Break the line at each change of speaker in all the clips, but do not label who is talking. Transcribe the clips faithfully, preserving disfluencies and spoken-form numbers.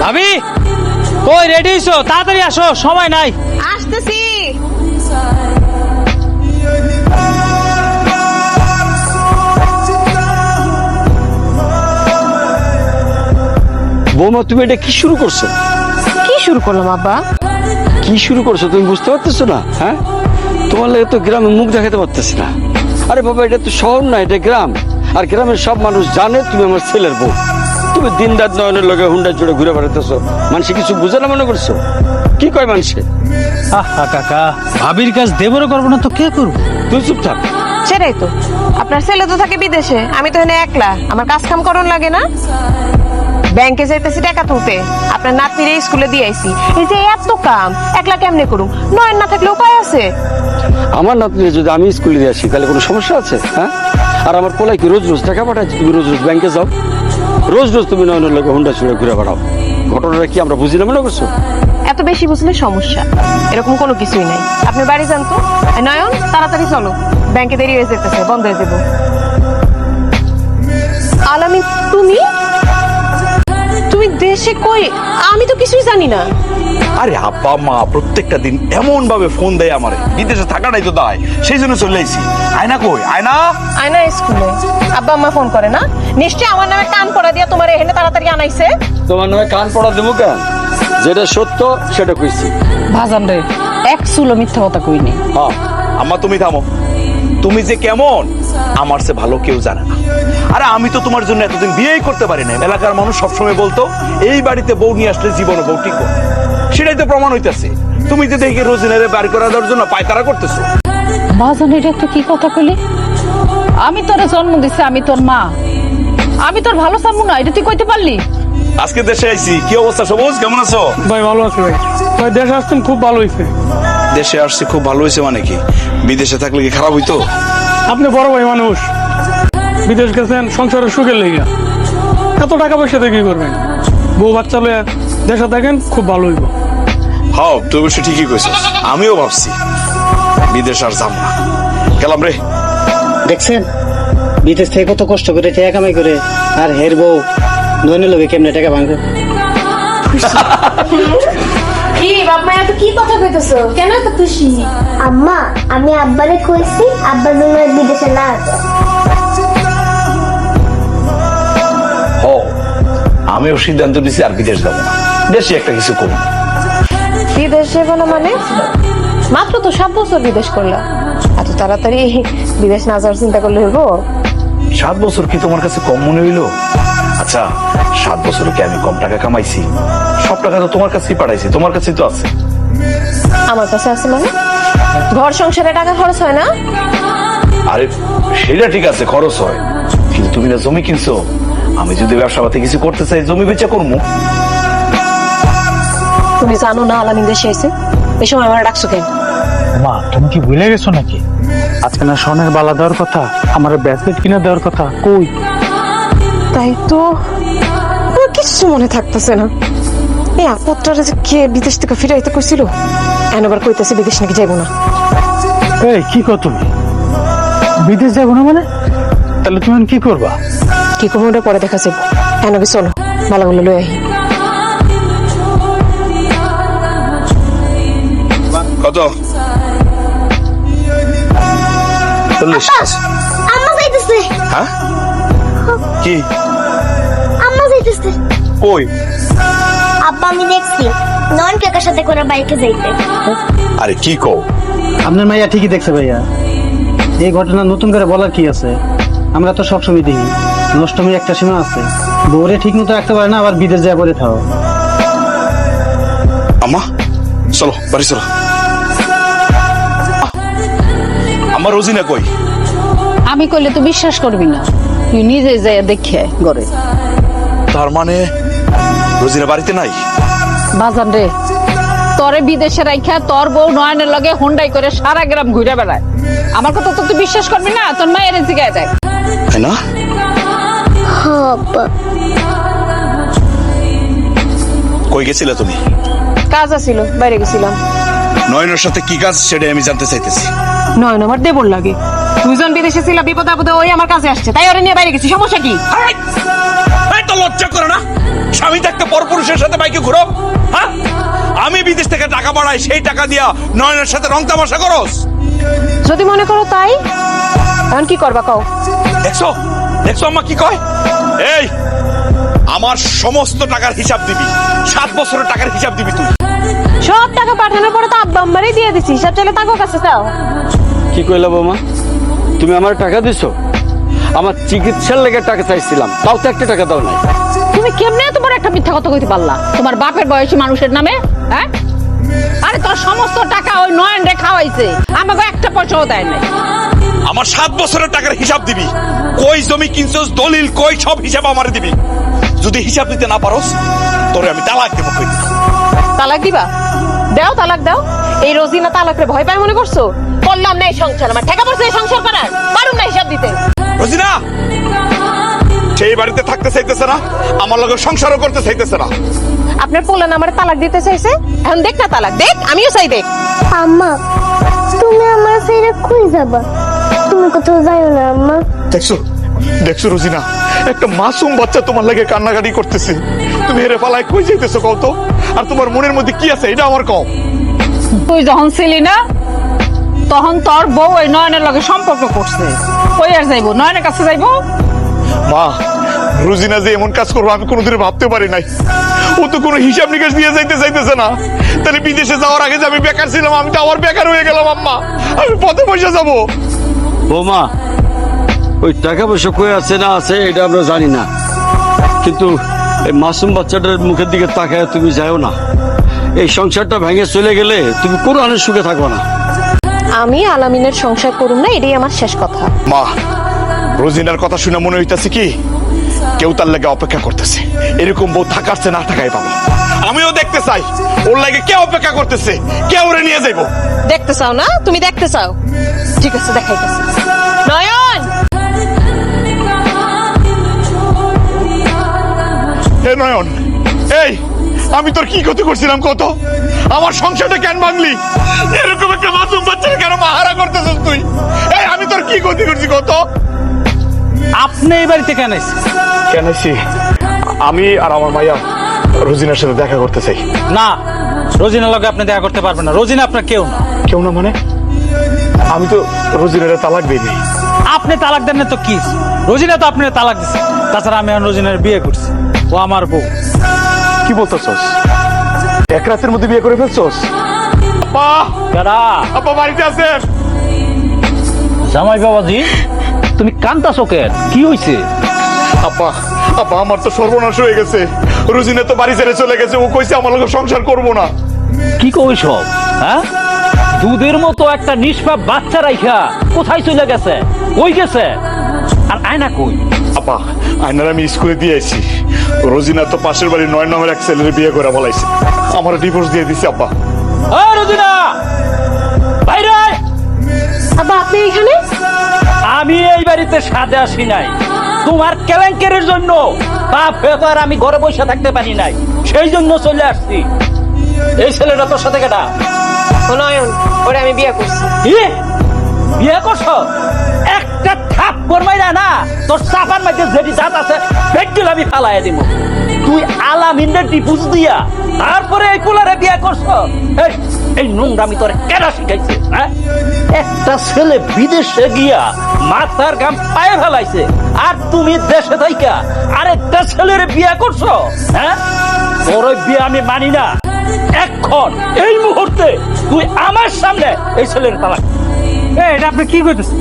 ভাবি কই রেডি হইছো? তাড়াতাড়ি আসো, সময় নাই।
আসতেছি।
বৌমা, তুমি এটা কি শুরু করছো?
কি শুরু করলাম আব্বা?
কি শুরু করছো তুমি বুঝতে পারতেছো না? হ্যাঁ, তোমার লাগে তো গ্রামে মুখ দেখাতে পারতেছি না। আরে বাবা, এটা তো শহর না, এটা গ্রাম। আর গ্রামের সব মানুষ জানে তুমি আমার ছেলের বউ। তুমি দিন রাত নয়নের লগে হুন্ডা জুড়ে ঘুরে বেড়াতেছো, মানুষ কিছু বুঝে না মনে করছো? কি কয় মানুষে?
আহা কাকা, ভাবির কাজ দেবরও করবো না তো কে করবো?
তুই চুপ থাক।
সেটাই তো, আপনার ছেলে তো থাকে বিদেশে, আমি তো এখানে একলা। আমার কাজ কাম করন লাগে না? ব্যাংকে যাইতেছি টাকা তুলতে, আপনার নাতনিরে স্কুলে দিয়ে আইছি। এই যে এত কাম একলা কেমনে করুম? নয়ন না থাকলে উপায় আছে?
আমার নাতনি যদি আমি স্কুলে দিয়ে আসি তাহলে কোনো সমস্যা আছে? হ্যাঁ, আর আমার পোলাই কি রোজ রোজ টাকা পাঠাচ্ছি? তুমি রোজ রোজ ব্যাংকে যাও, রোজ রোজ তুমি নয়নের লগে হুন্ডা ছুড়ে ঘুরে বেড়াও। ঘটনাটা কি আমরা বুঝি না মনে করছো?
এত বেশি বুঝলে সমস্যা, এরকম কোনো কিছুই নাই। আপনি বাড়ি যান তো। এই নয়ন, তাড়াতাড়ি চলো, ব্যাংকে দেরি হয়ে যেতেছে, বন্ধ হয়ে যাবো। আলামি, তুমি তুমি দেশে কই? আমি তো কিছুই জানি না।
আরে আব্বা মা প্রত্যেকটা দিন এমন ভাবে ফোন দেয় আমারে, বিদেশে থাকাটাই তো দায়, সেই জন্য চলে আইছি। আয়না কই? আয়না
আয়না স্কুলে। আব্বা আম্মা ফোন করে না? নিশ্চয়ই আমার নামে কান পড়া দিয়া তোমার এখানে তাড়াতাড়ি আনাইছে।
তোমার নামে কান পড়া দেবো কেন? যেটা সত্য সেটা কইছি।
ভাজান রে, এক চুলো মিথ্যা কথা কইনি।
হ্যাঁ আম্মা, তুমি থামো। তুমি যে কেমন আমার সে ভালো কেউ জানে না। আরে আমি তো তোমার জন্য এতদিন বিয়েই করতে পারি না। এলাকার মানুষ সবসময় বলতো এই বাড়িতে বউ নিয়ে আসলে জীবনে বউ ঠিক হবে। সেটাই তো প্রমাণ হইতেছে। তুমি যে দেখে রোজিনারে বাড়ি করা দেওয়ার জন্য পায়তারা করতেছো।
ভাজান, এটা তুই কি কথা কইলি? আমি তোরে জন্ম দিছি, আমি তোর মা, আমি তোর ভালো চামু না, এটা তুই কইতে পারলি?
আজকে দেশে আইছি, কি অবস্থা সবুজ? কেমন আছো?
ভাই ভালো আছি ভাই। ভাই দেশে আসছেন, খুব ভালো হয়েছে।
দেশে আসছি খুব ভালো হয়েছে মানে কি? বিদেশে থাকলে কি খারাপ হইতো?
আপনি বড় ভাই মানুষ, বিদেশ গেছেন সংসারের সুখের লেগে। এত টাকা পয়সা দিয়ে কি করবেন? বউ বাচ্চা লয়ে দেশে থাকেন, খুব ভালো হইব।
হ্যাঁ, তুই অবশ্য ঠিকই কইছিস। আমিও ভাবছি বিদেশ আর যাব না। গেলাম রে।
দেখছেন বিদেশ থেকে কত কষ্ট করে টাকা কামাই করে, আর হের বউ নয়নের লোকে কেমনে টাকা ভাঙবে।
কি বাবা, এত কি কথা কইতেছো? কেন এত খুশি?
আম্মা, আমি আব্বারে কইছি আব্বা জন্য বিদেশে না আছে।
হ, আমিও সিদ্ধান্ত নিছি আর বিদেশ যাব না, দেশে একটা কিছু করব।
বিদেশ যাবো না মানে? মাত্র তো সাত বছর বিদেশ করলা, এত তাড়াতাড়ি বিদেশ না যাওয়ার চিন্তা করলে হইব?
সাত বছর কি তোমার কাছে কম মনে হইলো? আচ্ছা, সাত বছরে কি আমি কম টাকা কামাইছি? সব টাকা তো তোমার কাছেই পাঠাইছি, তোমার কাছেই তো আছে।
আমার কাছে আছে মানে? ঘর সংসারে টাকা খরচ হয় না?
আরে সেটা ঠিক আছে, খরচ হয়, কিন্তু তুমি না জমি কিনছো। আমি যদি ব্যবসা পাতি কিছু করতে চাই, জমি বেচা করবো।
তুমি জানো না আলামিন দেশে এসে? এই সময় আমার ডাকছো কেন?
মা, তুমি কি ভুলে গেছো নাকি? আজকে না স্বর্ণের বালা দেওয়ার কথা, আমার ব্যাসলেট কিনে দেওয়ার কথা। কই?
তাই তো, আমার কিচ্ছু মনে থাকতেছে না। এই আপত্তারা যে কে বিদেশ থেকে ফিরাইতে কইছিল, এখন আবার কইতেছে বিদেশ নাকি যাইবো না।
এই কি কর তুমি? বিদেশ যাবো না মানে? তাহলে তুমি এখন কি করবা?
কি করবো ওটা পরে দেখা যাবো। এখন আগে চলো, বালাগুলো লই আহি।
কত? চল্লিশ।
আম্মা যাইতেছে।
হ্যাঁ, কি?
আম্মা যাইতেছে।
কই?
আব্বা, আমি দেখছি নয়ন কাকার সাথে করে বাইকে যাইতে।
আরে কি কও?
আপনার মাইয়া ঠিকই দেখছে ভাইয়া, এই ঘটনা নতুন করে বলার কি আছে? আমরা তো সবসময় দেখি নষ্টমী একটা সীমা আছে। বউরে ঠিক মতো রাখতে পারে না, আবার বিদেশ যায় পরে থাও।
আম্মা চলো, বাড়ি চলো। আমার রোজিনা কই?
আমি কইলে তুই বিশ্বাস করবি না, তুই নিজে যাই দেখে ঘরে।
তার মানে রোজিনা বাড়িতে নাই?
বাজান রে, তোরে বিদেশে রাইখা তোর বউ নয়নের লগে হুন্ডাই করে সারা গ্রাম ঘুরে বেড়ায়। আমার কথা তো তুই বিশ্বাস করবি না, তোর মায়ের জিগায় দেয়।
তাই না?
হ্যাঁ আব্বা।
কই গেছিলে তুমি?
কাজ আছিল, বাইরে গেছিলাম।
নয়নের সাথে কি কাজ সেটাই আমি জানতে চাইতেছি।
নয়ন আমার দেবর লাগে। দুইজন বিদেশে ছিল, বিপদ আপদে ওই আমার কাছে আসছে, তাই ওরে নিয়ে বাইরে গেছি। সমস্যা কি?
এই তো তোমার লজ্জা করে না? স্বামী থাকতে পরপুরুষের সাথে বাইকে ঘুরো, হ্যাঁ? আমি বিদেশ থেকে টাকা পাঠাই, সেই টাকা দিয়া নয়নের সাথে রং তামাশা করস।
যদি মনে করো তাই, এখন কি করবা কও?
দেখছো দেখছো আম্মা কি কয়? এই আমার সমস্ত টাকার হিসাব দিবি, সাত বছরের টাকার হিসাব দিবি তুই।
সব টাকা পাঠানোর পরে তো আব্বা আম্মারই দিয়ে দিছি, সব চাইলে তাকে কাছে চাও।
কি কইলা বৌমা? তুমি আমার টাকা দিছো? আমার চিকিৎসার লেগে টাকা চাইছিলাম, তাও তো একটা টাকা দাও নাই।
তুমি কেমনে এত বড় একটা মিথ্যা কথা কইতে পারলা তোমার বাপের বয়সী মানুষের নামে? হ্যাঁ, আরে তোর সমস্ত টাকা ওই নয়ন রে খাওয়াইছে, আমাকে একটা পয়সাও দেয় নাই।
আমার সাত বছরের টাকার হিসাব দিবি, কই জমি কিনছস, দলিল কই, সব হিসাব আমারে দিবি। যদি হিসাব দিতে না পারোস তোরে আমি তালাক দেবো। কই
তালাক দিবা? দাও, তালাক দাও। এই রোজিনা তালাকরে ভয় পায় মনে করছো? করলাম না এই সংসার, আমার ঠেকা পড়ছে এই সংসার করার, পারুম না হিসাব দিতে।
রোজিনা সেই বাড়িতে থাকতে চাইতেছে না, আমার লগে সংসারও করতে চাইতেছে না।
আপনার পোলান আমার তালাক দিতে চাইছে, এখন দেখ না তালাক দেখ, আমিও চাই দেখ।
আম্মা তুমি আমার ছেড়ে কই যাবা? তুমি কোথাও যাও না আম্মা।
দেখছো দেখছো রোজিনা, একটা মাসুম বাচ্চা তোমার লাগে কান্নাকাটি করতেছে, তুমি হেরে পালায় কই যাইতেছো কও তো? আর তোমার মনের মধ্যে কি আছে এটা আমার কও।
তুই যখন ছিলি না তখন তোর বউ ওই নয়নের লগে সম্পর্ক করছে, কই আর যাইবো? নয়নের কাছে যাইবো?
মা, রোজিনা যে এমন কাজ করবো আমি কোনোদিন ভাবতে পারি নাই। ও তো কোনো হিসাব নিকাশ দিয়ে যাইতে চাইতেছে না। তাহলে বিদেশে যাওয়ার আগে যে আমি বেকার ছিলাম, আমি তো আবার বেকার হয়ে গেলাম। আম্মা, আমি পথে পয়সা যাবো।
বৌমা, ওই টাকা পয়সা কই আছে না আছে এটা আমরা জানি না, কিন্তু এই মাসুম বাচ্চাটার মুখের দিকে তাকায় তুমি যাও না। এই সংসারটা ভেঙে চলে গেলে তুমি কোনো আনের সুখে থাকো না।
আমি আলামিনের সংসার করুম না, এটাই আমার শেষ কথা।
মা, রোজিনার কথা শুনে মনে হইতাছে কি কেউ তার লাগে অপেক্ষা করতেছে। এরকম বউ থাকারছে না থাকাই পাবো। আমিও দেখতে চাই ওর লাগে কে অপেক্ষা করতেছে, কে ওরে নিয়ে যাইবো।
দেখতে চাও না? তুমি দেখতে চাও, ঠিক আছে, দেখাইতেছি। নয়ন,
হে নয়ন, এই আমি তোর কি ক্ষতি করছিলাম কত? আমার সংসারটা কেন ভাঙলি? এরকম একটা মাসুম বাচ্চাকে কেন মাহারা করতেছিস তুই? এই আমি তোর কি ক্ষতি করছি কত?
আপনি এই বাড়িতে কেন এসেছেন?
কেন আইছি? আমি আর আমার মাইয়া রোজিনার সাথে দেখা করতে চাই।
না, রোজিনার লগে আপনি দেখা করতে পারবেন না। রোজিনা আপনার কেউ না।
কেউ না মানে? আমি তো রোজিনার তালাক দিইনি।
আপনি তালাক দেন না তো কি? রোজিনা তো আপনি তালাক দিচ্ছে। তাছাড়া আমি রোজিনার বিয়ে করছি, ও আমার বউ।
কি বলতেছস? এক রাতের মধ্যে বিয়ে করে ফেলছস? আপা,
দাদা,
আপা বাড়িতে আছেন?
জামাই বাবাজি, তুমি কান্তাছো কেন? কি হয়েছে?
আপা, আপা আমার তো সর্বনাশ হয়ে গেছে। রোজিনা তো বাড়ি ছেড়ে চলে গেছে। ও কইছে আমার লগে সংসার করবো না।
কি কই সব? হ্যাঁ, দুধের মতো একটা নিষ্পাপ বাচ্চা রাইখা কোথায় চলে গেছে? কই গেছে? আর আয়না কই?
আপা, আয়নার আমি স্কুলে দিয়ে আইছি। রোজিনা তো পাশের বাড়ির নয় নম্বর এক ছেলের বিয়ে করে বলাইছে, আমার ডিভোর্স দিয়ে দিছে। আপা,
ও রোজিনা, বাইরে আয়।
আব্বা আপনি এখানে?
আমি এই বাড়িতে সাজে আসি নাই, তোমার কেলেঙ্কারির জন্য বাপ ব্যাপার আমি ঘরে বসে থাকতে পারি নাই, সেই জন্য চলে আসছি। এই ছেলেটা তোর সাথে কেটা?
ও নয়ন, ওরে আমি বিয়ে করছি।
কি বিয়ে করছো? একটা থাপ করমাই না, তোর চাপার মধ্যে যেটি দাঁত আছে পেটগুলো আমি ফালাই দিব। তুই আলামিনের ডিপুজ দিয়া তারপরে এই কুলারে বিয়ে করছো? এই, এই নোংরামি তোর কেনা শিখাইছে? হ্যাঁ, একটা ছেলে বিদেশে গিয়া মাথার গাম পায়ে ফেলাইছে, আর তুমি দেশে থাইকা আরেকটা ছেলের বিয়ে করছো? হ্যাঁ, তোর ওই বিয়ে আমি মানি না। এখন এই মুহূর্তে তুই আমার সামনে এই ছেলের তালাক।
এই, এটা আপনি কি করতেছেন?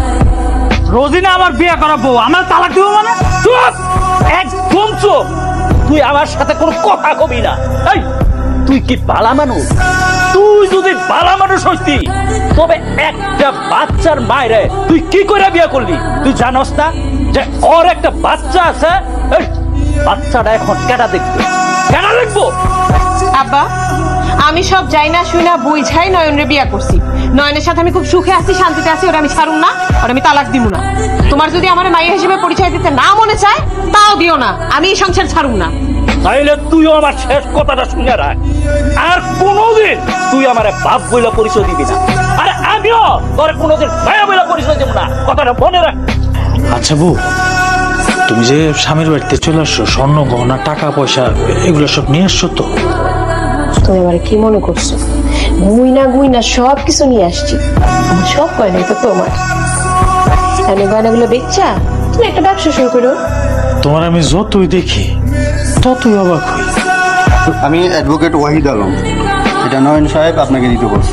রোজিনা আমার বিয়ে করা বউ, আমার তালাক দিব মানে?
চুপ, একদম চুপ। তুই আমার সাথে কোনো কথা কবি না। এই, তুই কি বালা মানুষ? তুই যদি বালা মানুষ হইতি তবে একটা বাচ্চার মায়েরে তুই কি করে বিয়ে করলি? তুই জানোস না যে ওর একটা বাচ্চা আছে? এই, বাচ্চাটা এখন কেটা দেখবে? কেনা দেখবো?
আব্বা, আমি সব যাই না শুই না বুঝাই নয়নরে বিয়ে করছি। নয়নের সাথে আমি খুব সুখে আছি, শান্তিতে আছি, ওরা আমি ছাড়ুম না, ওরা আমি তালাক দিব না। তোমার যদি আমার মায়ের হিসেবে পরিচয় দিতে না মনে চায় তাও দিও না, আমি এই সংসার ছাড়ুম না।
তাইলে তুইও আমার শেষ কথাটা শুনে রাখ, আর কোনোদিন তুই আমার বাপ বইলা পরিচয় দিবি না, আর আমিও তোর কোনোদিন ভাইয়া বইলা পরিচয় দিব না, কথাটা মনে রাখ।
আচ্ছা বউ, তুমি যে স্বামীর বাড়িতে চলে আসছো, স্বর্ণ গহনা টাকা পয়সা এগুলো সব নিয়ে আসছো তো?
তুমি আমার কি মনে করছো? গুইনা গুইনা সব কিছু নিয়ে আসছি। আমার সব গয়নাই তো তোমার। আমি গয়নাগুলো বেচা তুমি একটা ব্যবসা শুরু করো।
তোমার আমি যতই দেখি ততই অবাক হই।
আমি অ্যাডভোকেট ওয়াহিদ আলম, এটা নয়ন সাহেব আপনাকে দিতে বলছে।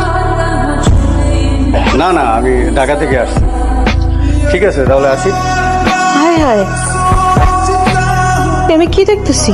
না না, আমি ঢাকা থেকে আসছি। ঠিক আছে, তাহলে আসি।
হায় হায়, আমি কি দেখতেছি?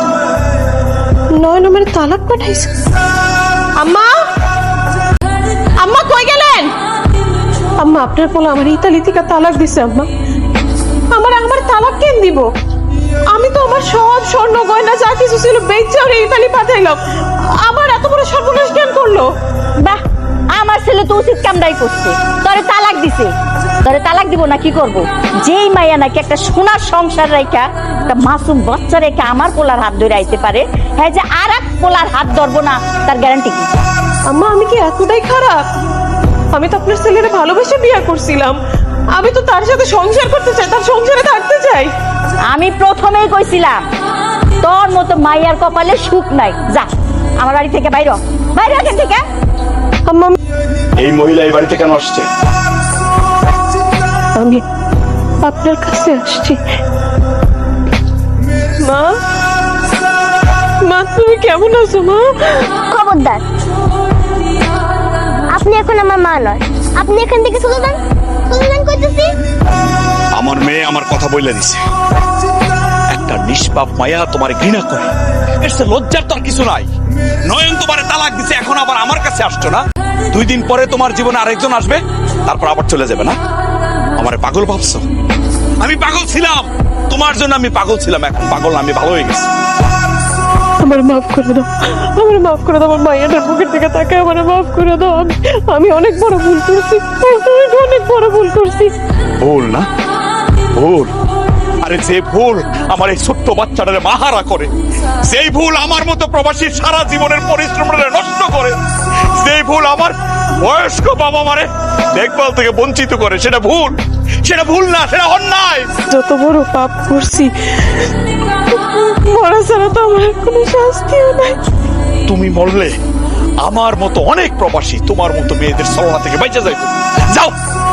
নয়ন আমার তালাক পাঠাইছে। আম্মা, আম্মা কই গেলেন? আম্মা, আপনার পোলা আমার ইতালি থেকে তালাক দিছে। আম্মা, আমার আমার তালাক কেন দিব? আমি তো আমার সব স্বর্ণ গয়না যা কিছু ছিল বেচে ওরে ইতালি পাঠাইলাম। আমার এত বড় সর্বনাশ কেন করলো?
বাহ, আমার ছেলে তো উচিত কামটাই করছে, তোরে তালাক দিছে। তোরে তালাক দিব না কি করব? যেই মাইয়া নাকি একটা সোনার সংসার রেখা, একটা মাসুম বাচ্চা রেখা আমার পোলার হাত ধরে আইতে পারে, হ্যাঁ যে আর এক পোলার হাত ধরবো না তার গ্যারান্টি কি?
আম্মা, আমি কি এতটাই খারাপ? আমি তো আপনার ছেলেরে ভালোবেসে বিয়ে করছিলাম। আমি তো তার সাথে সংসার করতে চাই, তার সংসারে থাকতে চাই।
আমি প্রথমেই কইছিলাম তোর মতো মাইয়ার কপালে সুখ নাই। যা আমার বাড়ি থেকে বাইর হ, বাইরে এখান থেকে।
আম্মা,
এই মহিলা এই বাড়িতে কেন আসছে?
আমি আপনার কাছে আসছি। মা, মা তুমি কেমন আছো মা?
খবরদার, আপনি এখন আমার মা নয়। আপনি এখান থেকে চলে যান, চলে যান কইতেছি।
আমার মেয়ে আমার কথা বলে দিছে। একটা নিষ্পাপ মায়া তোমার ঘৃণা করে, এর চেয়ে লজ্জার তো আর কিছু নাই। নয়ন তোমারে তালাক দিছে, এখন আবার আমার কাছে আসছো না? দুই দিন পরে তোমার জীবনে আরেকজন আসবে, তারপর আবার চলে যাবে না? আমারে পাগল ভাবছো? আমি পাগল ছিলাম, তোমার জন্য আমি পাগল ছিলাম। এখন পাগল না, আমি ভালো হয়ে গেছি।
আমার মাফ করে দাও, আমার মাফ করে দাও। আমার মায়ের বুকের দিকে তাকে আমার মাফ করে দাও। আমি আমি অনেক বড় ভুল করছি, অনেক অনেক বড় ভুল করছি।
ভুল না? ভুল? আরে যে ভুল আমার এই ছোট্ট বাচ্চাটারে মাহারা করে, যেই ভুল আমার মতো প্রবাসীর সারা জীবনের পরিশ্রমটা নষ্ট করে, যেই ভুল আমার বয়স্ক বাবা মারে দেখভাল থেকে বঞ্চিত করে, সেটা ভুল? সেটা ভুল না, সেটা অন্যায়।
যত বড় পাপ করছি, মরা ছাড়া তো আমার কোনো শাস্তিও নাই।
তুমি মরলে আমার মতো অনেক প্রবাসী তোমার মতো মেয়েদের ছলনা থেকে বেঁচে যাইত। যাও,